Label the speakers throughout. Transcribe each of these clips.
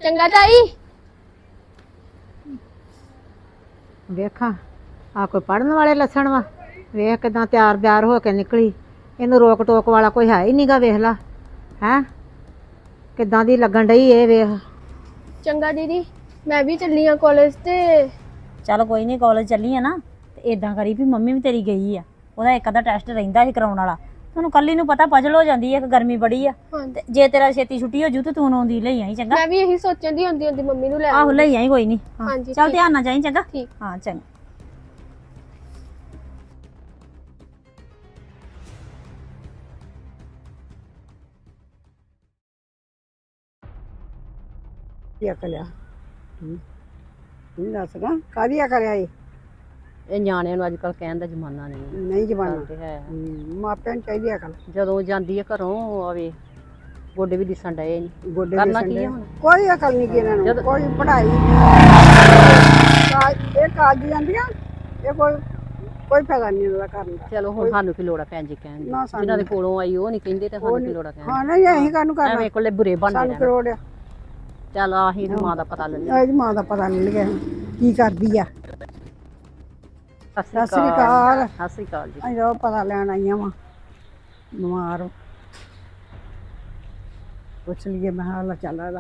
Speaker 1: ਚੰਗਾ ਤਾਈ।
Speaker 2: ਵੇਖਾਂ ਆ ਕੋਈ ਪੜਨ ਵਾਲੇ ਲੱਛਣ ਵਾ। ਵੇਖ ਕਿਦਾਂ ਤਿਆਰ ਬਿਆਰ ਹੋ ਕੇ ਨਿਕਲੀ। ਇਹਨੂੰ ਰੋਕ ਟੋਕ ਵਾਲਾ ਕੋਈ ਹੈ ਹੀ ਨਹੀਂਗਾ। ਵੇਖ ਲਾ ਹੈ ਕਿਦਾਂ ਦੀ ਲੱਗਣ ਡਈ ਇਹ। ਵੇਖ
Speaker 1: ਚੰਗਾ ਦੀਦੀ, ਮੈਂ ਵੀ ਚੱਲੀ ਆ ਕਾਲਜ ਤੇ।
Speaker 3: ਚੱਲ ਕੋਈ ਨਹੀਂ, ਕਾਲਜ ਚੱਲੀ ਆ ਨਾ ਤੇ ਇਦਾਂ ਕਰੀ ਵੀ ਮੰਮੀ ਵੀ ਤੇਰੀ ਗਈ ਆ, ਉਹਦਾ ਇੱਕ ਅੱਧਾ ਟੈਸਟ ਰਹਿੰਦਾ ਸੀ ਕਰਾਉਣ ਵਾਲਾ। ਤੁਹਾਨੂੰ ਕੱਲੀ ਨੂੰ ਪਤਾ ਪਜਲ ਹੋ ਜਾਂਦੀ ਹੈ ਕਿ ਗਰਮੀ ਬੜੀ ਆ। ਤੇ ਜੇ ਤੇਰਾ ਛੇਤੀ ਛੁੱਟੀ ਹੋ ਜੂ ਤੇ ਤੂੰ ਆਉਂਦੀ ਲਈ ਆਈ ਚੰਗਾ।
Speaker 1: ਮੈਂ ਵੀ ਇਹੀ ਸੋਚਣ ਦੀ ਹੁੰਦੀ ਮੰਮੀ ਨੂੰ ਲੈ
Speaker 3: ਆਹੋ ਲਈ ਆਈ ਕੋਈ ਨਹੀਂ।
Speaker 1: ਹਾਂਜੀ
Speaker 3: ਚੱਲ ਧਿਆਨ ਨਾਲ ਜਾਈ ਚੰਗਾ।
Speaker 1: ਠੀਕ।
Speaker 3: ਹਾਂ ਚੰਗਾ।
Speaker 2: ਕੀ ਕਰਿਆ ਤੂੰ ਦੱਸਗਾ ਕਾਹਦੀ ਕਰਿਆ
Speaker 4: ਇਹ ਨਿਆਣਿਆਂ ਨੂੰ ਅੱਜ ਕੱਲ ਕਹਿਣ ਦਾ ਜ਼ਮਾਨਾ
Speaker 2: ਨਹੀਂ ਜ਼ਮਾਨਾ
Speaker 4: ਤੇ ਹੈ।
Speaker 2: ਮਾਪਿਆਂ ਨੂੰ ਚਾਹੀਦੀ ਅਕਲ।
Speaker 4: ਜਦੋਂ ਜਾਂਦੀ ਹੈ ਘਰੋਂ ਆਵੇ ਗੋਡੇ ਵੀ ਦਿਸਣ ਡਏ ਨੇ।
Speaker 2: ਗੋਡੇ
Speaker 4: ਕਰਨਾ ਕੀ ਹੈ ਹੁਣ?
Speaker 2: ਕੋਈ ਅਕਲ ਨਹੀਂ ਇਹਨਾਂ ਨੂੰ। ਕੋਈ ਪੜ੍ਹਾਈ ਇਹ ਕਾਜ ਜਾਂਦੀਆਂ ਇਹ ਕੋਈ ਫਾਇਦਾ ਨਹੀਂ ਇਹਨਾਂ ਦਾ ਕਰਨ ਦਾ।
Speaker 4: ਚਲੋ ਹੁਣ ਸਾਨੂੰ ਕੀ ਲੋੜ ਆ ਭੈਣ ਜੀ ਕਹਿਣ ਦੀ। ਜਿਨ੍ਹਾਂ ਦੇ ਕੋਲੋਂ ਆਈ ਉਹ ਨਹੀਂ ਕਹਿੰਦੇ ਤੇ ਸਾਨੂੰ ਕੀ ਲੋੜ ਆ ਕਹਿਣ
Speaker 2: ਹਾਂ ਨਹੀਂ ਅਸੀਂ ਕਾਹਨੂੰ ਕਰਨਾ।
Speaker 4: ਐਵੇਂ ਕੋਲੇ ਬੁਰੇ ਬਣਦੇ
Speaker 2: ਸਾਨੂੰ ਕਰੋੜ ਆ।
Speaker 4: ਚੱਲ ਆਹੀ ਮਾਂ ਦਾ ਪਤਾ ਲੈ ਲਿਆ।
Speaker 2: ਇਹਦੀ ਮਾਂ ਦਾ ਪਤਾ ਨਹੀਂ ਲੱਗਿਆ ਕੀ ਕਰਦੀ ਆ।
Speaker 4: ਸਤਿ
Speaker 2: ਸ੍ਰੀ ਅਕਾਲ।
Speaker 4: ਸਤਿ ਸ੍ਰੀ ਅਕਾਲ ਜੀ।
Speaker 2: ਅਸੀਂ ਉਹ ਪਤਾ ਲੈਣ ਆਈਆਂ ਵਾ ਬਿਮਾਰ। ਪੁੱਛ ਲਈਏ ਮੈਂ ਹਾਲ ਚੱਲ ਰਿਹਾ।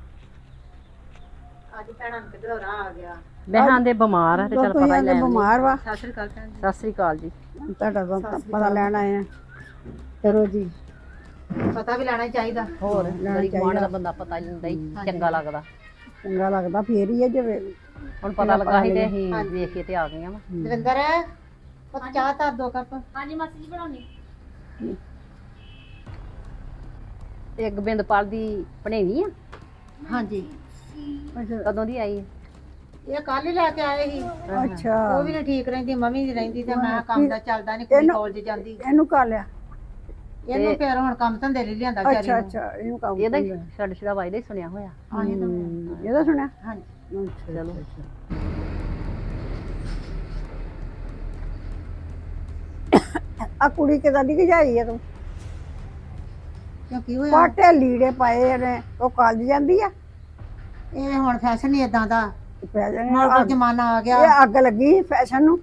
Speaker 2: ਅੱਜ ਭੈਣਾਂ ਨੂੰ ਕਿਧਰੋਂ ਰਾਹ ਆ ਗਿਆ।
Speaker 4: ਬਹਿਾਂ ਦੇ ਬਿਮਾਰ ਆ ਤੇ ਚੱਲ ਪਤਾ ਹੀ ਲੈ
Speaker 2: ਬਿਮਾਰ ਵਾ।
Speaker 4: ਸਤਿ ਸ੍ਰੀ ਅਕਾਲ ਭੈਣ ਜੀ। ਸਤਿ ਸ੍ਰੀ ਅਕਾਲ ਜੀ।
Speaker 2: ਤੁਹਾਡਾ ਪਤਾ ਲੈਣ ਆਏ ਆ। ਚਲੋ ਜੀ, ਪਤਾ ਵੀ ਲੈਣਾ ਚਾਹੀਦਾ।
Speaker 4: ਹੋਰ ਗਰੀਬ ਮਾਣ ਦਾ ਬੰਦਾ ਪਤਾ ਹੀ ਹੁੰਦਾ ਹੀ ਚੰਗਾ ਲੱਗਦਾ।
Speaker 2: ਚੰਗਾ ਲੱਗਦਾ ਫੇਰ ਹੀ ਹੈ। ਜਿਵੇਂ
Speaker 4: ਹੁਣ ਪਤਾ ਲੱਗਾ ਸੀ ਤੇ ਅਸੀਂ ਵੇਖ ਕੇ ਤੇ ਆ ਗਈਆਂ ਵਾ।
Speaker 2: ਦਵਿੰਦਰ ਚਾਹ ਧਰ 2 ਕੱਪ।
Speaker 3: ਹਾਂਜੀ ਮਾਸੀ ਜੀ ਬਣਾਉਣੀ।
Speaker 4: ਤੇ ਗੋਬਿੰਦਪਾਲ ਦੀ ਭਣੇਵੀਂ ਆ।
Speaker 2: ਹਾਂਜੀ।
Speaker 4: ਕਦੋਂ ਦੀ ਆਈ ਹੈ?
Speaker 2: ਇਹ ਕੱਲ ਹੀ ਲੈ ਕੇ ਆਏ ਸੀ। ਅੱਛਾ। ਉਹ ਵੀ ਨਹੀਂ ਠੀਕ ਰਹਿੰਦੀ, ਮੰਮੀ ਨਹੀਂ ਰਹਿੰਦੀ ਤੇ ਮੈਂ ਕੰਮ ਦਾ ਚੱਲਦਾ ਨਹੀਂ, ਕੁੜੀ ਕਾਲਜ ਜਾਂਦੀ। ਇਹਨੂੰ ਕਾ ਲਿਆ ਇਹਨੂੰ ਫਿਰ ਹੁਣ ਕੰਮ ਧੰਦੇ ਲਈ ਲਿਆਂਦਾ ਵਿਚਾਰੀ ਨੂੰ। ਅੱਛਾ ਅੱਛਾ। ਇਹਨੂੰ ਕੰਮ
Speaker 4: ਇਹਦਾ ਛੱਡ ਛੜਾ ਵਾਇਦਾ ਹੀ ਸੁਣਿਆ ਹੋਇਆ।
Speaker 2: ਇਹਦਾ ਸੁਣਿਆ।
Speaker 4: ਹਾਂਜੀ ਚਲੋ।
Speaker 2: ਆ ਕੁੜੀ ਕਿਦਾਂ ਦੀ ਗਜਾਈ ਆ ਤੂੰ? ਕਿਉਂ ਕੀ ਹੋਇਆ? ਪਾਟੇ ਲੀੜੇ ਪਾਏ ਨੇ। ਉਹ ਕਾਲਜ ਜਾਂਦੀ ਆ। ਇਹ ਹੁਣ ਫੈਸ਼ਨ ਹੀ ਇਦਾਂ ਦਾ ਨਾਲ ਜ਼ਮਾਨਾ ਆ ਗਿਆ। ਇਹ ਅੱਗ ਲੱਗੀ ਫੈਸ਼ਨ ਨੂੰ।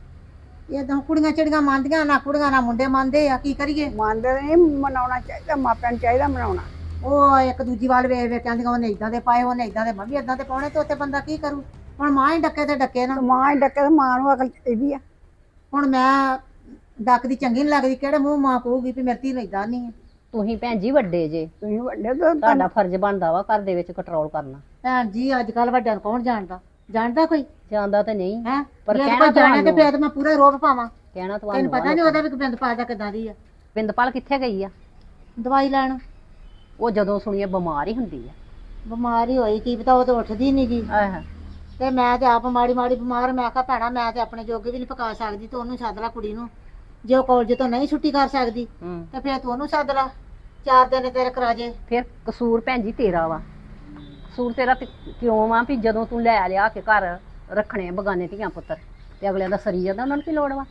Speaker 2: ਇਹ ਤਾਂ ਕੁੜੀਆਂ ਚਿੜੀਆਂ ਮੰਨਦੀਆਂ ਨਾ, ਕੁੜੀਆਂ ਨਾ ਮੁੰਡੇ ਮੰਨਦੇ ਆ। ਕੀ ਕਰੀਏ? ਮੰਨਦੇ ਨਹੀਂ, ਮਨਾਉਣਾ ਚਾਹੀਦਾ। ਮਾਪਿਆਂ ਨੂੰ ਚਾਹੀਦਾ ਮਨਾਉਣਾ। ਉਹ ਇੱਕ ਦੂਜੀ ਵੱਲ ਵੇਖ ਵੇਖ ਕਹਿੰਦੀਆਂ ਉਹਨੇ ਇਦਾਂ ਦੇ ਪਾਏ, ਉਹਨੇ ਇਦਾਂ ਦੇ, ਮੈਂ ਵੀ ਇਦਾਂ ਦੇ ਪਾਉਣੇ। ਤੇ ਉੱਥੇ ਬੰਦਾ ਕੀ ਕਰੂ? ਹੁਣ ਮਾਂ ਹੀ ਡੱਕੇ ਤੇ ਡੱਕੇ ਨਾ। ਮਾਂ ਹੀ ਡੱਕੇ ਤੇ ਮਾਂ ਨੂੰ ਅਕਲ ਚਾਹੀਦੀ ਆ। ਹੁਣ ਮੈਂ ਡੱਕਦੀ ਚੰਗੀ ਨਹੀਂ ਲੱਗਦੀ। ਕਿਹੜੇ ਮੂੰਹ ਮਾਂ ਕਹੂਗੀ ਵੀ ਮੇਰੀ ਧੀ ਨੂੰ ਇਦਾਂ ਨਹੀਂ ਹੈ।
Speaker 4: ਤੁਸੀਂ ਭੈਣ ਜੀ ਵੱਡੇ ਜੇ,
Speaker 2: ਤੁਸੀਂ ਵੱਡੇ
Speaker 4: ਤੁਹਾਡਾ ਫਰਜ਼ ਬਣਦਾ ਵਾ ਘਰ ਦੇ ਵਿੱਚ ਕੰਟਰੋਲ ਕਰਨਾ।
Speaker 2: ਭੈਣ ਜੀ ਅੱਜ ਕੱਲ ਵੱਡਿਆਂ ਨੂੰ ਕੌਣ ਜਾਣਦਾ? ਜਾਣਦਾ ਕੋਈ?
Speaker 4: ਜਾਂਦਾ ਤੇ ਨਹੀਂ
Speaker 2: ਹੈ
Speaker 4: ਪਰ
Speaker 2: ਕਹਿਣਾ ਜਾਣੇ ਤੇ ਫਿਰ ਮੈਂ ਪੂਰਾ ਰੋਪ ਪਾਵਾਂ।
Speaker 4: ਕਹਿਣਾ
Speaker 2: ਤੈਨੂੰ
Speaker 4: ਤੁਹਾਨੂੰ
Speaker 2: ਪਤਾ ਨਹੀਂ ਉਹਦਾ ਵੀ ਗੋਬਿੰਦਪਾਲ ਦਾ ਕਿਦਾਂ ਦੀ ਆ।
Speaker 4: ਗੋਬਿੰਦਪਾਲ ਕਿੱਥੇ ਗਈ ਆ?
Speaker 2: ਦਵਾਈ ਲੈਣ।
Speaker 4: ਉਹ ਜਦੋਂ ਸੁਣੀਏ ਬਿਮਾਰ ਹੀ ਹੁੰਦੀ ਆ।
Speaker 2: ਬਿਮਾਰ ਹੀ ਹੋਈ, ਕੀ ਪਤਾ। ਉਹ ਤਾਂ ਉੱਠਦੀ ਨਹੀਂ ਗੀ। ਤੇ ਮੈਂ ਤੇ ਆਪ ਮਾੜੀ ਮਾੜੀ ਬਿਮਾਰ। ਮੈਂ ਕਿਹਾ ਭੈਣਾ ਮੈਂ ਤੇ ਆਪਣੇ ਜੋਗੇ ਵੀ ਨਹੀਂ ਪਕਾ ਸਕਦੀ, ਤੇ ਉਹਨੂੰ ਸੱਦ ਲਾ ਕੁੜੀ ਨੂੰ। ਜੇ ਉਹ ਕਾਲਜ ਤੋਂ ਨਹੀਂ ਛੁੱਟੀ ਕਰ ਸਕਦੀ ਤੇ ਫਿਰ ਤੂੰ ਉਹਨੂੰ ਸੱਦ ਲਾ, 4 ਦਿਨ ਤੇਰੇ ਕਰਾ ਜੇ।
Speaker 4: ਫਿਰ ਕਸੂਰ ਭੈਣ ਜੀ ਤੇਰਾ ਵਾ। ਕਸੂਰ ਤੇਰਾ ਤੇ ਕਿਉਂ ਵਾ ਵੀ ਜਦੋਂ ਤੂੰ ਲੈ ਲਿਆ ਕੇ ਘਰ ਰੱਖਣੇ ਬਗਾਨੇ ਧੀਆਂ ਪੁੱਤਰ ਤੇ ਅਗਲਿਆਂ ਦਾ ਸਰੀ ਜਾਂਦਾ, ਉਹਨਾਂ ਨੂੰ ਕੀ ਲੋੜ ਵਾ?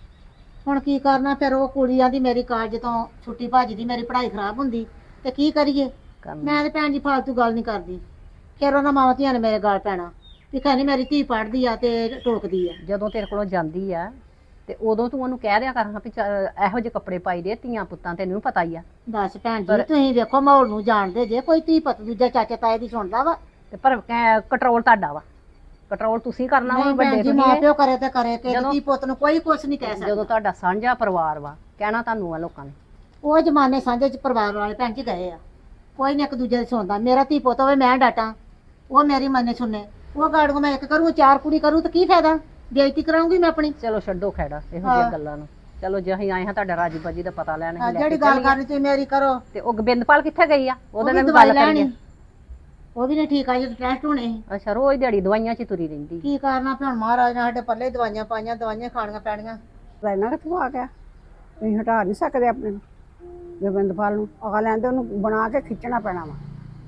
Speaker 2: ਹੁਣ ਕੀ ਕਰਨਾ ਫਿਰ? ਉਹ ਕੁੜੀ ਆਂਦੀ ਮੇਰੀ ਕਾਲਜ ਤੋਂ ਛੁੱਟੀ ਭੱਜਦੀ, ਮੇਰੀ ਪੜ੍ਹਾਈ ਖਰਾਬ ਹੁੰਦੀ, ਤੇ ਕੀ ਕਰੀਏ? ਮੈਂ ਤੇ ਭੈਣ ਜੀ ਫਾਲਤੂ ਗੱਲ ਨਹੀਂ ਕਰਦੀ। ਫਿਰ ਉਹਨਾਂ ਮਾਵਾਂ ਧੀਆਂ ਨੇ ਮੇਰੇ ਗਾਲ ਪੈਣਾ ਵੀ ਕਹਿੰਦੀ ਮੇਰੀ ਧੀ ਪੜ੍ਹਦੀ ਆ ਤੇ ਟੋਕਦੀ ਆ।
Speaker 4: ਜਦੋਂ ਤੇਰੇ ਕੋਲੋਂ ਜਾਂਦੀ ਆ ਤੇ ਉਦੋਂ ਤੂੰ ਉਹਨੂੰ ਕਹਿ ਦਿਆ ਕਰ ਵੀ ਇਹੋ ਜਿਹੇ ਕੱਪੜੇ ਪਾਈ ਦੇ, ਧੀਆਂ ਪੁੱਤਾਂ ਤੈਨੂੰ ਪਤਾ ਹੀ ਆ।
Speaker 2: ਦੱਸ ਭੈਣ ਜੀ, ਤੁਸੀਂ ਵੇਖੋ ਮਾਹੌਲ ਨੂੰ ਜਾਣਦੇ ਜੇ। ਕੋਈ ਧੀ ਪੁੱਤ ਦੂਜਾ ਚਾਚਾ ਤਾਏ ਦੀ ਸੁਣਦਾ ਵਾ?
Speaker 4: ਤੇ ਪਰ ਕੰਟਰੋਲ ਤੁਹਾਡਾ ਵਾ। ਕੰਟਰੋਲ ਤੁਸੀਂ ਕਰਨਾ ਵਾ। ਵੱਡੇ
Speaker 2: ਜੀ ਮਾਂ ਪਿਓ ਕਰੇ ਤੇ ਕਰੇ, ਕਿ ਧੀ ਪੁੱਤ ਨੂੰ ਕੋਈ ਕੁਛ ਨਹੀਂ ਕਹਿ ਸਕਦਾ।
Speaker 4: ਜਦੋਂ ਤੁਹਾਡਾ ਸਾਂਝਾ ਪਰਿਵਾਰ ਵਾ, ਕਹਿਣਾ ਤੁਹਾਨੂੰ ਆ ਲੋਕਾਂ ਨੇ।
Speaker 2: ਉਹ ਜ਼ਮਾਨੇ ਸਾਂਝੇ ਚ ਪਰਿਵਾਰ ਵਾਲੇ ਭੈਣ ਜੀ ਗਏ ਆ। ਕੋਈ ਨਹੀਂ ਇੱਕ ਦੂਜੇ ਦੀ ਸੁਣਦਾ। ਮੇਰਾ ਧੀ ਪੁੱਤ ਹੋਵੇ ਮੈਂ ਡਾਟਾਂ, ਉਹ ਮੇਰੀ ਮੰਨੇ ਸੁਣੇ। ਉਹ ਗਾੜੂ ਮੈਂ ਇੱਕ ਕਰੂੰ, 4 ਕੁੜੀ ਕਰੂ ਤਾਂ ਕੀ ਫਾਇਦਾ? ਬੇਇੱਜ਼ਤੀ ਕਰਾਉਂਗੀ ਮੈਂ ਆਪਣੀ।
Speaker 4: ਚਲੋ ਛੱਡੋ ਖੈੜਾ ਇਹੋ ਜਿਹੀਆਂ ਗੱਲਾਂ ਨੂੰ। ਚਲੋ ਜੇ ਅਸੀਂ ਆਏ ਹਾਂ ਤੁਹਾਡਾ ਰਾਜੀ ਬਾਜੀ ਦਾ ਪਤਾ ਲੈਣ।
Speaker 2: ਜਿਹੜੀ ਗੱਲ ਕਰਨੀ ਤੁਸੀਂ ਮੇਰੀ ਕਰੋ।
Speaker 4: ਤੇ ਉਹ ਗੋਬਿੰਦਪਾਲ ਕਿੱਥੇ ਗਈ ਆ? ਉਹਦੇ ਨਾਲ
Speaker 2: ਦਵਾਈ
Speaker 4: ਗੱਲ
Speaker 2: ਲੈਣੀ।
Speaker 4: ਕਰੀਏ।
Speaker 2: ਉਹ ਵੀ ਨਹੀਂ ਠੀਕ ਆ। ਜਦੋਂ ਟੈਸਟ ਹੋਣੇ ਸੀ।
Speaker 4: ਅੱਛਾ, ਰੋਜ਼ ਦਿਹਾੜੀ ਦਵਾਈਆਂ 'ਚ ਤੁਰੀ ਰਹਿੰਦੀ।
Speaker 2: ਕੀ ਕਰਨਾ ਫਿਰ? ਹੁਣ ਮਹਾਰਾਜ ਨੇ ਸਾਡੇ ਪੱਲੇ ਦਵਾਈਆਂ ਪਾਈਆਂ, ਦਵਾਈਆਂ ਖਾਣੀਆਂ ਪੈਣੀਆਂ। ਲੈਣਾ ਕਿੱਥੋਂ ਆ ਗਿਆ? ਤੁਸੀਂ ਹਟਾ ਨਹੀਂ ਸਕਦੇ ਆਪਣੇ ਨੂੰ। ਗੋਬਿੰਦਪਾਲ ਨੂੰ ਆ ਲੈਂਦੇ, ਉਹਨੂੰ ਬਣਾ ਕੇ ਖਿੱਚਣਾ ਪੈਣਾ ਵਾ।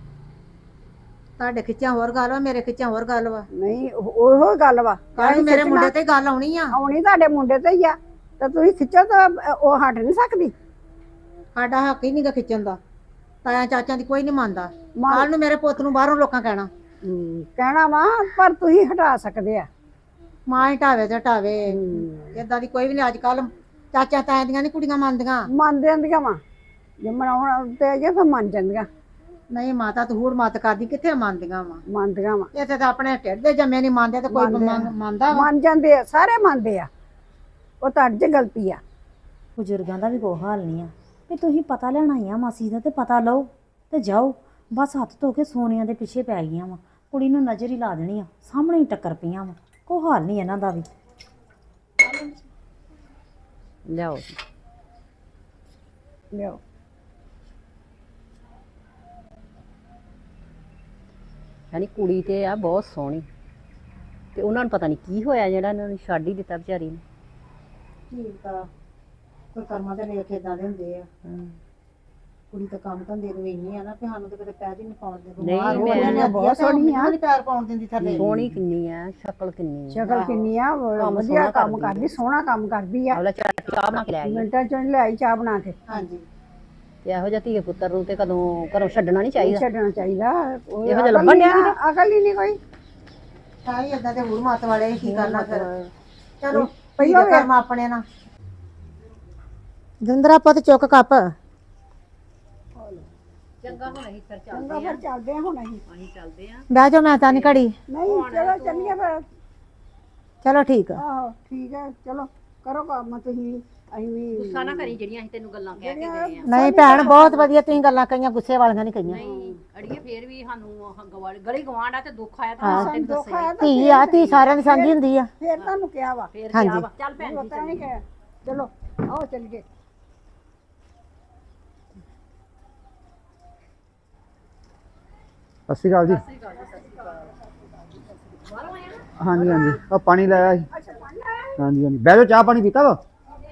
Speaker 2: ਤੁਹਾਡੇ ਖਿੱਚਿਆ ਹੋਰ ਗੱਲ ਵਾ, ਮੇਰੇ ਖਿੱਚਿਆ ਹੋਰ ਗੱਲ ਵਾ। ਨਹੀਂ ਉਹੋ ਗੱਲ ਵਾ। ਕੱਲ ਮੇਰੇ ਮੁੰਡੇ ਤੇ ਗੱਲ ਆਉਣੀ ਆ। ਆਉਣੀ ਤੁਹਾਡੇ ਮੁੰਡੇ ਤੇ ਹੀ ਆ। ਤੇ ਤੁਸੀਂ ਖਿੱਚੋ ਤਾਂ ਉਹ ਹਟ ਨਹੀਂ ਸਕਦੀ। ਸਾਡਾ ਹੱਕ ਹੀ ਨਹੀਂਗਾ ਖਿੱਚਣ ਦਾ।
Speaker 5: ਤਾਇਆ ਚਾਚਿਆਂ ਦੀ ਕੋਈ ਨਹੀਂ ਮੰਨਦਾ। ਕੱਲ ਨੂੰ ਮੇਰੇ ਪੁੱਤ ਨੂੰ ਬਾਹਰੋਂ ਲੋਕਾਂ ਕਹਿਣਾ
Speaker 2: ਕਹਿਣਾ ਵਾ ਪਰ ਤੁਸੀਂ ਹਟਾ ਸਕਦੇ ਆ।
Speaker 5: ਮਾਂ ਹੀ ਢਾਵੇ ਤੇ ਢਾਵੇ, ਏਦਾਂ ਦੀ ਕੋਈ ਵੀ ਨਹੀਂ। ਅੱਜ ਕੱਲ ਚਾਚਾ ਤਾਇਆ ਦੀਆਂ ਨਹੀਂ ਕੁੜੀਆਂ ਮੰਨਦੀਆਂ।
Speaker 2: ਮੰਨ ਜਾਂਦੀਆਂ ਵਾ, ਜੇ ਮਨਾਉਣ ਤੇ ਜੇ ਫਿਰ ਮੰਨ ਜਾਂਦੀਆਂ।
Speaker 5: ਨਹੀਂ ਮਾਤਾ ਤੂੰ ਹੂੜ ਮਤ ਕਰਦੀ, ਕਿੱਥੇ ਮੰਨਦੀਆਂ ਵਾ।
Speaker 2: ਮੰਨਦੀਆਂ ਵਾ,
Speaker 5: ਇੱਥੇ ਤਾਂ ਆਪਣੇ ਢਿੱਡ ਦੇ ਜੰਮੇ ਨਹੀਂ ਮੰਨਦੇ ਤੇ ਕੋਈ ਮੰਨਦਾ ਵਾ।
Speaker 2: ਮੰਨ ਜਾਂਦੇ ਆ, ਸਾਰੇ ਮੰਨਦੇ ਆ। ਉਹ ਤੁਹਾਡੀ 'ਚ ਗਲਤੀ ਆ।
Speaker 3: ਬਜ਼ੁਰਗਾਂ ਦਾ ਵੀ ਕੋਈ ਹਾਲ ਨਹੀਂ ਆ ਵੀ ਤੁਸੀਂ ਪਤਾ ਲੈਣ ਆਈਆਂ ਮਾਸੀ ਦਾ ਤੇ ਪਤਾ ਲਓ ਤੇ ਜਾਓ। ਬਸ ਹੱਥ ਧੋ ਕੇ ਸੋਨੀਆਂ ਦੇ ਪਿੱਛੇ ਪੈ ਗਈਆਂ ਵਾ, ਕੁੜੀ ਨੂੰ ਨਜ਼ਰ ਹੀ ਲਾ ਦੇਣੀ ਆ, ਸਾਹਮਣੇ ਹੀ ਟੱਕਰ ਪਈਆਂ ਵਾ। ਕੋਈ ਹਾਲ ਨਹੀਂ ਇਹਨਾਂ ਦਾ ਵੀ।
Speaker 4: ਲਿਆਓ
Speaker 2: ਲਿਓ
Speaker 4: ਯਾਨੀ ਕੁੜੀ ਤੇ ਆ ਬਹੁਤ ਸੋਹਣੀ, ਤੇ ਉਹਨਾਂ ਨੂੰ ਪਤਾ ਨਹੀਂ ਕੀ ਹੋਇਆ ਜਿਹੜਾ ਇਹਨਾਂ ਨੂੰ ਛੱਡ ਹੀ ਦਿੱਤਾ ਵਿਚਾਰੀ ਨੇ।
Speaker 5: ਠੀਕ ਆ, ਕੋਈ ਕਰਮਾਂ ਦੇ ਲੇਖ ਏਦਾਂ ਦੇ ਹੁੰਦੇ ਆ। ਕੁੜੀ ਤਾਂ ਕੰਮ ਧੰਦੇ ਨੂੰ ਇੰਨੀ ਆ ਨਾ ਕਿ ਸਾਨੂੰ ਤਾਂ ਕਿਤੇ ਪੈਰ ਹੀ ਨਹੀਂ ਪਾਉਣ ਦਿੰਦੇ।
Speaker 4: ਨਹੀਂ, ਮੈਂ
Speaker 2: ਬਹੁਤ ਸੋਹਣੀ ਆ।
Speaker 5: ਪੈਰ ਪਾਉਣ ਦਿੰਦੀ ਥੱਲੇ।
Speaker 4: ਸੋਹਣੀ ਕਿੰਨੀ ਆ, ਸ਼ਕਲ ਕਿੰਨੀ ਆ,
Speaker 2: ਸ਼ਕਲ ਕਿੰਨੀ ਆ, ਵਧੀਆ ਕੰਮ ਕਰਦੀ, ਸੋਹਣਾ ਕੰਮ ਕਰਦੀ ਆ।
Speaker 4: ਅਗਲਾ ਚਾਹ ਬਣਾ ਕੇ ਲੈ ਆਈ।
Speaker 2: ਮਿੰਟਾਂ ਚੋਂ ਲੈ ਆਈ ਚਾਹ ਬਣਾ ਕੇ।
Speaker 5: ਹਾਂਜੀ,
Speaker 4: ਤੇ ਇਹੋ ਜਿਹਾ ਧੀਏ ਪੁੱਤਰ ਨੂੰ ਤੇ ਕਦੋਂ ਘਰੋਂ ਛੱਡਣਾ ਨਹੀਂ ਚਾਹੀਦਾ।
Speaker 2: ਛੱਡਣਾ ਚਾਹੀਦਾ।
Speaker 4: ਇਹੋ ਜਿਹਾ ਲੱਭਣ ਡਿਆ ਨੀ।
Speaker 2: ਅਕਲ ਹੀ ਨਹੀਂ ਕੋਈ।
Speaker 5: ਸਾਈ ਏਦਾਂ ਦੇ ਹੂੜ ਮਤ ਵਾਲੇ ਕੀ ਕਰਨਾ ਫਿਰ। ਚਲੋ
Speaker 2: ਪਹਿਲਾਂ
Speaker 5: ਕਰਮ ਆਪਣੇ ਨਾਲ। ਜਿੰਦਰਾ ਪੁੱਤ ਚੁੱਕ ਕੱਪ।
Speaker 4: ਚੰਗਾ ਹੁਣ ਅਸੀਂ ਫਿਰ
Speaker 2: ਚੰਗਾ ਫਿਰ ਚੱਲਦੇ ਆ ਹੁਣ ਅਸੀਂ।
Speaker 4: ਚੱਲਦੇ ਆ।
Speaker 5: ਬਹਿ ਜਾਓ, ਮੈਂ ਤਾਂ ਨਹੀਂ ਘੜੀ।
Speaker 2: ਨਹੀਂ ਚਲੋ ਚੱਲੀਏ ਫਿਰ।
Speaker 5: ਚਲੋ ਠੀਕ ਆ।
Speaker 2: ਆਹੋ ਠੀਕ ਹੈ, ਚਲੋ ਕਰੋ ਕੰਮ ਤੁਸੀਂ। ਅਸੀਂ ਵੀ
Speaker 4: ਗੁੱਸਾ ਨਾ ਕਰੀ ਜਿਹੜੀਆਂ ਅਸੀਂ ਤੈਨੂੰ ਗੱਲਾਂ ਕਹਿ ਕੇ ਗਏ ਆ।
Speaker 5: ਨਹੀਂ ਭੈਣ, ਬਹੁਤ ਵਧੀਆ ਤੁਸੀਂ ਗੱਲਾਂ ਕਹੀਆਂ, ਗੁੱਸੇ ਵਾਲੀਆਂ ਨਹੀਂ ਕਹੀਆਂ।
Speaker 4: ਨਹੀਂ ਅੜੀਏ ਫੇਰ ਵੀ ਸਾਨੂੰ ਗਲੀ ਗਵਾਂਢ ਆ ਤੇ ਦੁੱਖ ਆਇਆ ਤਾਂ ਤੈਨੂੰ
Speaker 2: ਦੁੱਖ ਆਇਆ ਤਾਂ
Speaker 5: ਧੀ ਆ, ਧੀ ਸਾਰਿਆਂ ਦੀ ਸਾਂਝੀ ਹੁੰਦੀ ਆ।
Speaker 2: ਫਿਰ ਤੁਹਾਨੂੰ ਕਿਹਾ ਵਾ।
Speaker 4: ਫੇਰ
Speaker 5: ਹਾਂਜੀ।
Speaker 4: ਕਿਹਾ ਵਾ ਚੱਲ ਭੈਣ ਜੀ
Speaker 2: ਪਤਾ ਨਹੀਂ ਕਿ ਚਲੋ ਆਓ ਚੱਲੀਏ।
Speaker 6: ਸਤਿ ਸ਼੍ਰੀ ਅਕਾਲ ਜੀ। ਹਾਂਜੀ ਹਾਂਜੀ, ਆ ਪਾਣੀ ਲਾਇਆ ਸੀ। ਹਾਂਜੀ ਹਾਂਜੀ, ਬਹਿ ਜਾਓ। ਚਾਹ ਪਾਣੀ ਪੀਤਾ ਵਾ?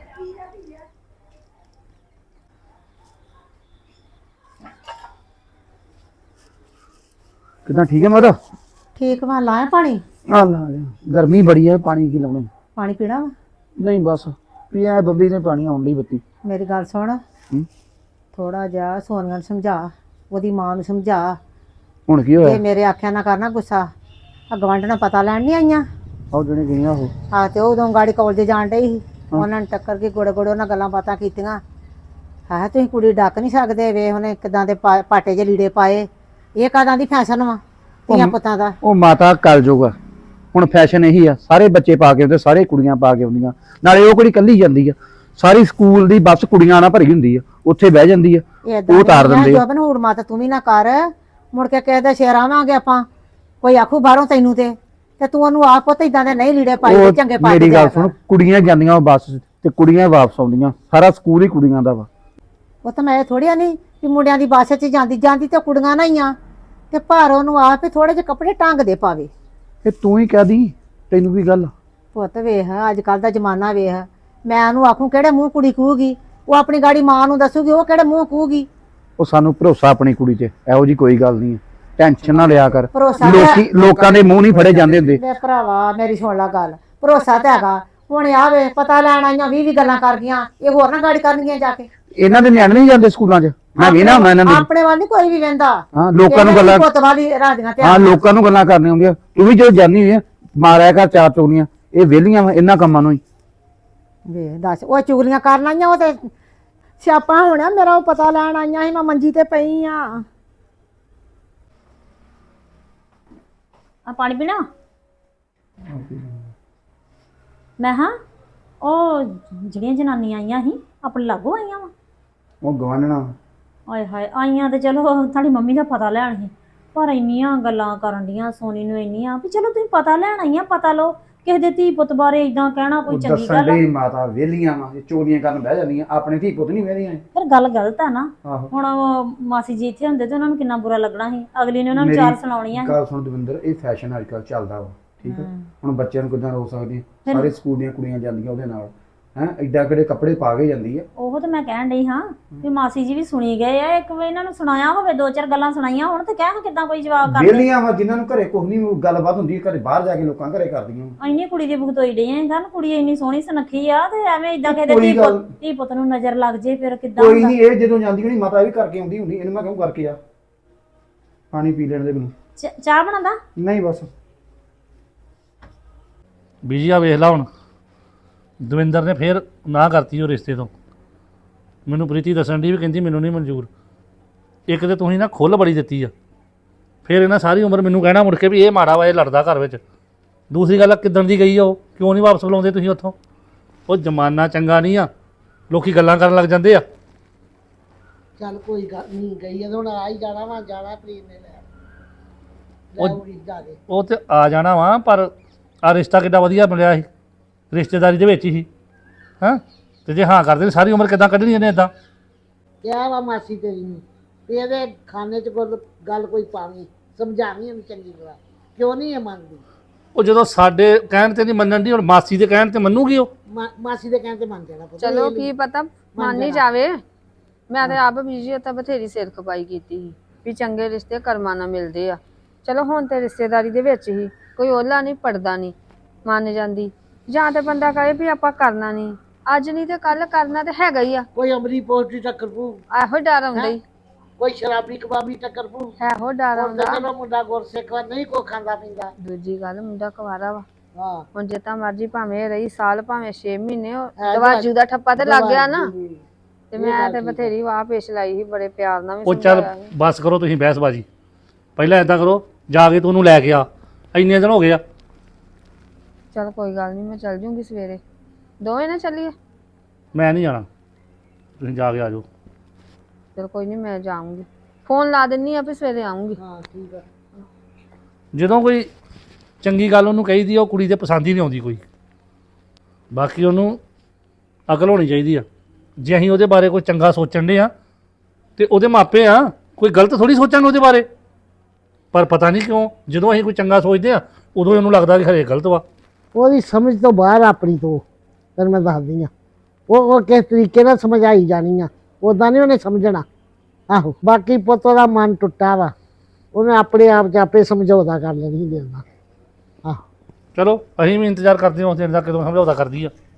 Speaker 6: ਕਿੱਦਾਂ, ਠੀਕ ਹੈ ਮਾਤਾ?
Speaker 5: ਠੀਕ ਵਾ, ਲਾਇਆ ਪਾਣੀ?
Speaker 6: ਆ ਲਾ ਲਿਆ। ਗਰਮੀ ਬੜੀ ਹੈ, ਪਾਣੀ ਕੀ ਲਾਉਣਾ।
Speaker 5: ਪਾਣੀ ਪੀਣਾ ਵਾ?
Speaker 6: ਨਹੀਂ ਬਸ ਪੀਆ, ਬੱਬੀ ਨੇ ਪਾਣੀ ਆਉਣ ਲਈ ਬੱਤੀ।
Speaker 5: ਮੇਰੀ ਗੱਲ ਸੁਣ, ਥੋੜਾ ਜਿਹਾ ਸੋਨੀਆ ਨੂੰ ਸਮਝਾ, ਉਹਦੀ ਮਾਂ ਨੂੰ ਸਮਝਾ।
Speaker 6: ਹੁਣ ਕੀ
Speaker 5: ਜੇ
Speaker 6: ਹੋਇਆ?
Speaker 5: ਮੇਰੇ ਆਖਿਆ ਨਾ ਕਰਨਾ ਗੁੱਸਾ। ਆ ਗਵਾਂਢਣਾ ਪਤਾ ਲੈਣ ਨਹੀਂ ਆਈਆਂ
Speaker 6: ਆਹ ਜਿਹੜੇ ਗਈਆਂ ਉਹ।
Speaker 5: ਆ ਤੇ ਉਦੋਂ ਗਾੜੀ ਕਾਲਜ ਜਾਣ ਡਈ ਸੀ, ਉਹਨਾਂ ਨੇ ਟੱਕਰ ਕੇ ਗੋੜੇ ਗੋੜੇ ਉਹਨਾਂ ਗੱਲਾਂ ਬਾਤਾਂ ਕੀਤੀਆਂ। ਹੈ ਤੁਸੀਂ ਕੁੜੀ ਡੱਕ ਨਹੀਂ ਸਕਦੇ, ਵੇ ਉਹਨੇ ਕਿਦਾਂ ਦੇ ਪਾਟੇ ਜਿਹੇ ਲੀੜੇ ਪਾਏ। ਇਹ ਕਾਦਾਂ ਦੀ ਫੈਸ਼ਨ ਵਾ ਧੀਆਂ ਪੁੱਤਾਂ ਦਾ?
Speaker 6: ਉਹ ਮਾਤਾ ਕਲ ਜੋਗਾ, ਹੁਣ ਫੈਸ਼ਨ ਇਹੀ ਆ, ਸਾਰੇ ਬੱਚੇ ਪਾ ਕੇ ਆਉਂਦੇ, ਸਾਰੇ ਕੁੜੀਆਂ ਪਾ ਕੇ ਆਉਂਦੀਆਂ। ਨਾਲੇ ਉਹ ਕੁੜੀ ਕੱਲੀ ਜਾਂਦੀ ਆ, ਸਾਰੀ ਸਕੂਲ ਦੀ ਬੱਸ ਕੁੜੀਆਂ ਨਾਲ ਭਰੀ ਹੁੰਦੀ ਆ, ਉੱਥੇ ਬਹਿ ਜਾਂਦੀ ਆ, ਉਹ ਉਤਾਰ ਦਿੰਦੇ ਆ।
Speaker 5: ਜੋਬਨ ਹੂੜ ਮਾਤਾ ਤੂੰ ਵੀ ਨਾ ਕਰ, ਮੁੜ ਕੇ ਕਿਸੇ ਦੇ ਸ਼ੇਰ ਆਵਾਂਗੇ ਆਪਾਂ, ਕੋਈ ਆਖੂ ਬਾਹਰੋਂ ਤੈਨੂੰ ਤੇ ਤੂੰ ਉਹਨੂੰ ਆਪ ਪੁੱਤ ਇਦਾਂ ਦੇ ਨਹੀਂ ਲੀੜੇ ਪਾਈ ਤੇ ਚੰਗੇ ਪਾ ਕੇ
Speaker 6: ਮੇਰੀ ਗੱਲ ਸੁਣ, ਕੁੜੀਆਂ ਜਾਂਦੀਆਂ ਉਹ ਬੱਸ ਤੇ ਕੁੜੀਆਂ ਵਾਪਸ ਆਉਂਦੀਆਂ, ਸਾਰਾ ਸਕੂਲ ਹੀ ਕੁੜੀਆਂ ਦਾ ਵਾ।
Speaker 5: ਉਹ ਤਾਂ ਮੈਂ ਥੋੜੀਆਂ ਨਹੀਂ ਕਿ ਮੁੰਡਿਆਂ ਦੀ ਬੱਸ 'ਚ ਜਾਂਦੀ ਤੇ ਕੁੜੀਆਂ ਨਾ ਹੀ ਆ, ਤੇ ਪਰ ਉਹਨੂੰ ਆਪ ਹੀ ਥੋੜੇ ਜਿਹੇ ਕੱਪੜੇ ਟੰਗ ਦੇ ਪਾਵੇ।
Speaker 6: ਇਹ ਤੂੰ ਹੀ ਕਹਿ ਦੀ, ਤੈਨੂੰ ਕੀ ਗੱਲ?
Speaker 5: ਪੁੱਤ ਵੇਖ, ਅੱਜ ਕੱਲ ਦਾ ਜ਼ਮਾਨਾ ਵੇਖ, ਮੈਂ ਉਹਨੂੰ ਆਖੂ ਕਿਹੜੇ ਮੂੰਹ ਕੁੜੀ ਕਹੂਗੀ, ਉਹ ਆਪਣੀ ਗਾੜੀ ਮਾਂ ਨੂੰ ਦੱਸੂਗੀ, ਉਹ ਕਿਹੜੇ ਮੂੰਹ ਕਹੂਗੀ।
Speaker 6: ਉਹ ਸਾਨੂੰ ਭਰੋਸਾ ਆਪਣੀ ਕੁੜੀ 'ਚ, ਇਹੋ ਜੀ ਕੋਈ ਗੱਲ ਨਹੀਂ ਹੈ, ਟੈਨਸ਼ਨ ਨਾ ਲਿਆ ਕਰ।
Speaker 5: ਭਰੋਸਾ
Speaker 6: ਲੋਕਾਂ ਦੇ ਮੂੰਹ ਨਹੀਂ ਫੜੇ ਜਾਂਦੇ ਹੁੰਦੇ।
Speaker 5: ਮੇਰੇ ਭਰਾਵਾ ਮੇਰੀ ਸੁਣ ਲਾ ਗੱਲ, ਭਰੋਸਾ ਤਾਂ ਹੈਗਾ। ਹੁਣ ਆਵੇ ਪਤਾ ਲੈਣ ਆਈਆਂ 20 ਗੱਲਾਂ ਕਰ ਗਈਆਂ, ਇਹ ਹੋਰ ਨਾ ਗਾੜੀ ਕਰਨਗੀਆਂ ਜਾ ਕੇ।
Speaker 6: ਇਹਨਾਂ ਦੇ ਨਿਆਣੇ ਨਹੀਂ ਜਾਂਦੇ ਸਕੂਲਾਂ 'ਚ, ਮੈਂ ਵੀ ਨਾ ਹੁੰਦਾ ਇਹਨਾਂ ਦੇ।
Speaker 5: ਆਪਣੇ ਵੱਲ ਨਹੀਂ ਕੋਈ ਵੀ ਵਹਿੰਦਾ।
Speaker 6: ਹਾਂ, ਲੋਕਾਂ ਨੂੰ ਗੱਲਾਂ,
Speaker 5: ਪੁੱਤ ਵਾਲੀ ਰਾਜੀਆਂ ਤੇ
Speaker 6: ਹਾਂ ਲੋਕਾਂ ਨੂੰ ਗੱਲਾਂ ਕਰਨੀਆਂ ਹੁੰਦੀਆਂ। ਤੂੰ ਵੀ ਜਦੋਂ ਜਾਂਦੀ ਹੋਈ ਆ, ਮਾਰਿਆ ਕਰ ਚਾਰ ਚੋਰੀਆਂ। ਇਹ ਵਿਹਲੀਆਂ ਵਾ ਇਹਨਾਂ ਕੰਮਾਂ ਨੂੰ ਹੀ।
Speaker 5: ਵੇ ਦੱਸ, ਉਹ ਚੁਗਲੀਆਂ ਕਰਨ ਆਈਆਂ, ਉਹ ਤੇ ਸਿਆਪਾ ਹੋਣਾ ਮੇਰਾ। ਉਹ ਪਤਾ ਲੈਣ ਆਈਆਂ ਸੀ, ਮੈਂ ਮੰਜੀ ਤੇ ਪਈ ਆ।
Speaker 3: ਆ ਪਾਣੀ ਪੀਣਾ? ਮੈਂ ਹਾਂ ਉਹ ਜਿਹੜੀਆਂ ਜਨਾਨੀਆਂ ਆਈਆਂ ਸੀ ਆਪਣੇ ਲਾਗੋਂ ਆਈਆਂ ਵਾ?
Speaker 6: ਉਹ ਗਵਾਨਣਾ
Speaker 3: ਆਏ ਹਾਏ, ਆਈਆਂ ਤੇ ਚਲੋ ਤੁਹਾਡੀ ਮੰਮੀ ਦਾ ਪਤਾ ਲੈਣ ਸੀ, ਪਰ ਇੰਨੀਆਂ ਗੱਲਾਂ ਕਰਨ ਡੀਆਂ ਸੋਨੀ ਨੂੰ, ਇੰਨੀਆਂ ਵੀ ਚਲੋ ਤੁਸੀਂ ਪਤਾ ਲੈਣ ਆਈਆਂ, ਪਤਾ ਲਓ। ਕਿਸੇ ਦੇ ਧੀ ਪੁੱਤ ਬਾਰੇ ਇਦਾਂ ਕਹਿਣਾ ਕੋਈ ਚੰਗੀ ਗੱਲ ਆ?
Speaker 6: ਮਾਤਾ ਵਿਹਲੀਆਂ ਵਾ, ਚੋਰੀਆਂ ਕਰਨ ਬਹਿ ਜਾਂਦੀਆਂ, ਆਪਣੇ ਧੀ ਪੁੱਤ ਨਹੀਂ ਵਿਹਲੀਆਂ।
Speaker 3: ਫਿਰ ਗੱਲ ਗਲਤ ਆ ਨਾ।
Speaker 6: ਆਹੋ।
Speaker 3: ਹੁਣ ਉਹ ਮਾਸੀ ਜੀ ਇੱਥੇ ਹੁੰਦੇ ਤੇ ਉਹਨਾਂ ਨੂੰ ਕਿੰਨਾ ਬੁਰਾ ਲੱਗਣਾ ਸੀ, ਅਗਲੀ ਨੇ ਉਹਨਾਂ ਨੂੰ ਚਾਰ ਸੁਣਾਉਣੀਆਂ ਸੀ।
Speaker 6: ਗੱਲ ਸੁਣ ਦਵਿੰਦਰ, ਇਹ ਫੈਸ਼ਨ ਅੱਜ ਕੱਲ ਚੱਲਦਾ ਵਾ, ਠੀਕ ਹੈ? ਹੁਣ ਬੱਚਿਆਂ ਨੂੰ ਕਿੱਦਾਂ ਰੋਕ ਸਕਦੇ? ਸਾਰੇ ਸਕੂਲ ਦੀਆਂ ਕੁੜੀਆਂ ਜਾਂਦੀਆਂ ਉਹਦੇ ਨਾਲ, ਹੈ ਐਡਾ ਕਿਹੜੇ ਕੱਪੜੇ ਪਾ ਕੇ ਜਾਂਦੀ ਆ।
Speaker 3: ਉਹ ਤਾਂ ਮੈਂ ਕਹਿਣ ਡਈ ਹਾਂ ਵੀ ਮਾਸੀ ਜੀ ਵੀ ਸੁਣੀ ਗਏ ਆ, ਇੱਕ ਵਾਰ ਇਹਨਾਂ ਨੂੰ ਸੁਣਾਇਆ ਹੋਵੇ, ਦੋ ਚਾਰ ਗੱਲਾਂ ਸੁਣਾਈਆਂ ਹੋਣ ਤੇ ਕਹਿ ਕਿੱਦਾਂ ਕੋਈ ਜਵਾਬ ਕਰਦੇ।
Speaker 6: ਬੇਲੀਆਂ ਵਾ ਜਿਨ੍ਹਾਂ ਨੂੰ ਘਰੇ ਕੁਝ ਨਹੀਂ ਗੱਲਬਾਤ ਹੁੰਦੀ, ਘਰੇ ਬਾਹਰ ਜਾ ਕੇ ਲੋਕਾਂ ਘਰੇ ਕਰਦੀਆਂ।
Speaker 3: ਇੰਨੀ ਕੁੜੀ ਦੀ ਭੁਗਤੋਈ ਡਈ ਆਂ ਗੱਲ, ਕੁੜੀ ਇੰਨੀ ਸੋਹਣੀ ਸੁਨੱਖੀ ਆ ਤੇ ਐਵੇਂ ਇਦਾਂ ਕਹਿੰਦੇ
Speaker 6: ਕੋਈ ਗੱਲ-
Speaker 3: ਧੀ ਪੁੱਤ ਨੂੰ ਨਜ਼ਰ ਲੱਗ ਜੇ ਫਿਰ ਕਿੱਦਾਂ
Speaker 6: ਕੋਈ
Speaker 3: ਹੁੰਦਾ।
Speaker 6: ਨਹੀਂ, ਇਹ ਜਦੋਂ ਜਾਂਦੀ ਹੋਣੀ ਮਾਤਾ ਵੀ ਕਰਕੇ ਆਉਂਦੀ ਹੁੰਦੀ, ਇਹਨੂੰ ਮੈਂ ਕਹੂੰ ਕਰਕੇ ਆ, ਪਾਣੀ ਪੀ ਲੈਣ ਦੇ ਮੈਨੂੰ।
Speaker 3: ਚਾਹ ਬਣਾਦਾ?
Speaker 6: ਨਹੀਂ ਬਸ
Speaker 7: ਬੀਜੀ ਆ ਵੇਖ ਲਾ ਹੁਣ, ਦਵਿੰਦਰ ਨੇ ਫੇਰ ਨਾ ਕਰਤੀ ਉਹ ਰਿਸ਼ਤੇ ਤੋਂ। ਮੈਨੂੰ ਪ੍ਰੀਤੀ ਦੱਸਣ ਦੀ ਵੀ ਕਹਿੰਦੀ ਮੈਨੂੰ ਨਹੀਂ ਮਨਜ਼ੂਰ। ਇੱਕ ਤੇ ਤੁਸੀਂ ਨਾ ਖੁੱਲ੍ਹ ਬੜੀ ਦਿੱਤੀ ਆ, ਫਿਰ ਇਹਨਾਂ ਸਾਰੀ ਉਮਰ ਮੈਨੂੰ ਕਹਿਣਾ ਮੁੜ ਕੇ ਵੀ ਇਹ ਮਾੜਾ ਵਾ, ਇਹ ਲੜਦਾ ਘਰ ਵਿੱਚ। ਦੂਸਰੀ ਗੱਲ ਆ ਕਿੱਦਣ ਦੀ ਗਈ ਆ ਉਹ, ਕਿਉਂ ਨਹੀਂ ਵਾਪਸ ਬੁਲਾਉਂਦੇ ਤੁਸੀਂ ਉੱਥੋਂ? ਉਹ ਜ਼ਮਾਨਾ ਚੰਗਾ ਨਹੀਂ ਆ, ਲੋਕੀ ਗੱਲਾਂ ਕਰਨ ਲੱਗ ਜਾਂਦੇ ਆ।
Speaker 2: ਚੱਲ ਕੋਈ ਗੱਲ ਨਹੀਂ, ਗਈ ਹੁਣ ਆ ਹੀ ਜਾਣਾ ਵਾ, ਜਾਣਾ ਪ੍ਰੀਤ ਨੇ ਲੈ
Speaker 7: ਉਹ-
Speaker 2: ਜਾ ਕੇ।
Speaker 7: ਉਹ ਤੇ ਆ ਜਾਣਾ ਵਾ, ਪਰ ਆ ਰਿਸ਼ਤਾ ਕਿੱਡਾ ਵਧੀਆ ਮਿਲਿਆ ਸੀ, ਰਿਸ਼ਤੇਦਾਰੀ ਦੇ ਵਿੱਚ ਹੀ ਹਾਂ। ਤੇ ਜੇ ਹਾਂ ਕਰਦੇ ਸਾਰੀ ਉਮਰ ਕਿੱਦਾਂ ਕੱਢਣੀ ਇਹਨੇ ਇਦਾਂ?
Speaker 2: ਕਿਹਾ ਵਾ ਮਾਸੀ ਤੇਰੀ ਨੂੰ ਤੇ ਇਹਦੇ ਖਾਨੇ 'ਚ ਗੱਲ ਕੋਈ ਪਾਵੀਂ, ਸਮਝਾਵੀਂ ਇਹਨੂੰ ਚੰਗੀ ਤਰ੍ਹਾਂ, ਕਿਉਂ ਨਹੀਂ ਇਹ ਮੰਨਦੀ।
Speaker 7: ਉਹ ਜਦੋਂ ਸਾਡੇ ਕਹਿਣ ਤੇ ਨਹੀਂ ਮੰਨਣ ਦੀ, ਹੁਣ ਮਾਸੀ ਦੇ ਕਹਿਣ ਤੇ ਮੰਨੂਗੀ ਉਹ?
Speaker 2: ਮਾਸੀ ਦੇ ਕਹਿਣ ਤੇ ਮੰਨ ਜਾਣਾ ਪੁੱਤ।
Speaker 1: ਚਲੋ ਕੀ ਪਤਾ ਮੰਨ ਹੀ ਜਾਵੇ। ਮੈਂ ਤੇ ਆਪ ਬੀਜੀ ਤਾਂ ਬਥੇਰੀ ਸਿਰ ਖਪਾਈ ਕੀਤੀ ਸੀ ਵੀ ਚੰਗੇ ਰਿਸ਼ਤੇ ਕਰਮਾਂ ਨਾਲ ਮਿਲਦੇ ਆ। ਚਲੋ ਹੁਣ ਤੇ ਰਿਸ਼ਤੇਦਾਰੀ ਦੇ ਵਿੱਚ ਹੀ ਕੋਈ ਓਲਾ ਨਹੀਂ ਪੜਦਾ ਨਹੀਂ ਮੰਨ ਜਾਂਦੀ, ਜਾਂ ਤੇ ਬੰਦਾ ਕਹੇ ਵੀ ਆਪਾਂ ਕਰਨਾ ਨਹੀਂ, ਅੱਜ ਨਹੀਂ ਤੇ ਕੱਲ ਕਰਨਾ ਤੇ ਹੈਗਾ ਹੀ ਆ।
Speaker 2: ਕੋਈ ਅਮਰੀ ਪੋਸਟੀ ਟੱਕਰ ਪੂ,
Speaker 1: ਇਹੋ ਡਰ ਆਉਂਦਾ ਹੀ,
Speaker 2: ਕੋਈ ਸ਼ਰਾਬੀ ਕਬਾਬੀ ਟੱਕਰ ਪੂ।
Speaker 1: ਇਹੋ ਡਰ ਆਉਂਦਾ।
Speaker 2: ਚਲੋ ਮੁੰਡਾ ਗੁਰਸਿੱਖ ਵਾ, ਨਹੀਂ ਕੋ ਖਾਂਦਾ ਪੀਂਦਾ।
Speaker 1: ਦੂਜੀ ਗੱਲ ਮੁੰਡਾ ਕੁਵਾਰਾ ਵਾ,
Speaker 2: ਹਾਂ
Speaker 1: ਹੁਣ ਜਿੱਦਾਂ ਮਰਜੀ ਭਾਵੇਂ ਰਹੀ ਸਾਲ ਭਾਵੇਂ 6 ਮਹੀਨੇ, ਉਹ ਦਵਾਜੂ ਦਾ ਠੱਪਾ ਤੇ ਲੱਗ ਗਿਆ ਨਾ। ਤੇ ਮੈਂ ਤੇ ਬਥੇਰੀ ਵਾਹ ਪੇਸ਼ ਲਾਈ ਸੀ, ਬੜੇ ਪਿਆਰ ਨਾਲ ਵੀ
Speaker 7: ਉਹ ਚੱਲ
Speaker 1: ਸਮਝਾਇਆ ਸੀ।
Speaker 7: ਬਸ ਕਰੋ ਤੁਸੀਂ ਬਹਿਸਬਾਜੀ, ਪਹਿਲਾਂ ਇਦਾਂ ਕਰੋ ਜਾ ਕੇ ਤੂੰ ਉਹਨੂੰ ਲੈ ਕੇ ਆ, ਇੰਨੇ ਦਿਨ ਹੋ ਗਏ ਆ।
Speaker 1: ਚਲ ਕੋਈ ਗੱਲ ਨਹੀਂ, ਮੈਂ ਚੱਲ ਜੂੰਗੀ ਸਵੇਰੇ, ਦੋਵੇਂ ਨਾ ਚੱਲੀਏ।
Speaker 7: ਮੈਂ ਨਹੀਂ ਜਾਣਾ, ਤੁਸੀਂ ਜਾ ਕੇ ਆ ਜਾਓ।
Speaker 1: ਚਲ ਕੋਈ ਨਹੀਂ, ਮੈਂ ਜਾਊਂਗੀ, ਫੋਨ ਲਾ ਦਿੰਨੀ ਆ ਵੀ ਸਵੇਰੇ ਆਉਂਗੀ।
Speaker 2: ਹਾਂ ਠੀਕ ਆ।
Speaker 7: ਜਦੋਂ ਕੋਈ ਚੰਗੀ ਗੱਲ ਉਹਨੂੰ ਕਹੀਦੀ ਆ, ਉਹ ਕੁੜੀ ਦੇ ਪਸੰਦ ਹੀ ਨਹੀਂ ਆਉਂਦੀ ਕੋਈ। ਬਾਕੀ ਉਹਨੂੰ ਅਕਲ ਹੋਣੀ ਚਾਹੀਦੀ ਆ, ਜੇ ਅਸੀਂ ਉਹਦੇ ਬਾਰੇ ਕੋਈ ਚੰਗਾ ਸੋਚਣ ਦੇ ਆ ਤੇ ਉਹਦੇ ਮਾਪੇ ਆ, ਕੋਈ ਗਲਤ ਥੋੜੀ ਸੋਚਾਂਗੇ ਉਹਦੇ ਬਾਰੇ। ਪਰ ਪਤਾ ਨਹੀਂ ਕਿਉਂ ਜਦੋਂ ਅਸੀਂ ਕੋਈ ਚੰਗਾ ਸੋਚਦੇ ਆ ਉਦੋਂ ਹੀ ਉਹਨੂੰ ਲੱਗਦਾ ਕਿ ਖਰੇ ਗਲਤ ਵਾ।
Speaker 2: ਉਹਦੀ ਸਮਝ ਤੋਂ ਬਾਹਰ ਆਪਣੀ ਤੋਂ, ਤੈਨੂੰ ਮੈਂ ਦੱਸਦੀ ਆ। ਉਹ ਕਿਸ ਤਰੀਕੇ ਨਾਲ ਸਮਝਾਈ ਜਾਣੀ ਆ, ਉਦਾਂ ਨਹੀਂ ਉਹਨੇ ਸਮਝਣਾ। ਆਹੋ ਬਾਕੀ ਪੁੱਤ ਦਾ ਮਨ ਟੁੱਟਾ ਵਾ, ਉਹਨੇ ਆਪਣੇ ਆਪ 'ਚ ਆਪੇ ਸਮਝੌਤਾ ਕਰ ਲੈਣੀ ਦੇਣਾ। ਆਹੋ
Speaker 7: ਚਲੋ ਅਸੀਂ ਵੀ ਇੰਤਜ਼ਾਰ ਕਰਦੇ ਹਾਂ ਉਸ ਦਿਨ ਦਾ, ਕਦੋਂ ਸਮਝੌਤਾ ਕਰਦੀ ਆ।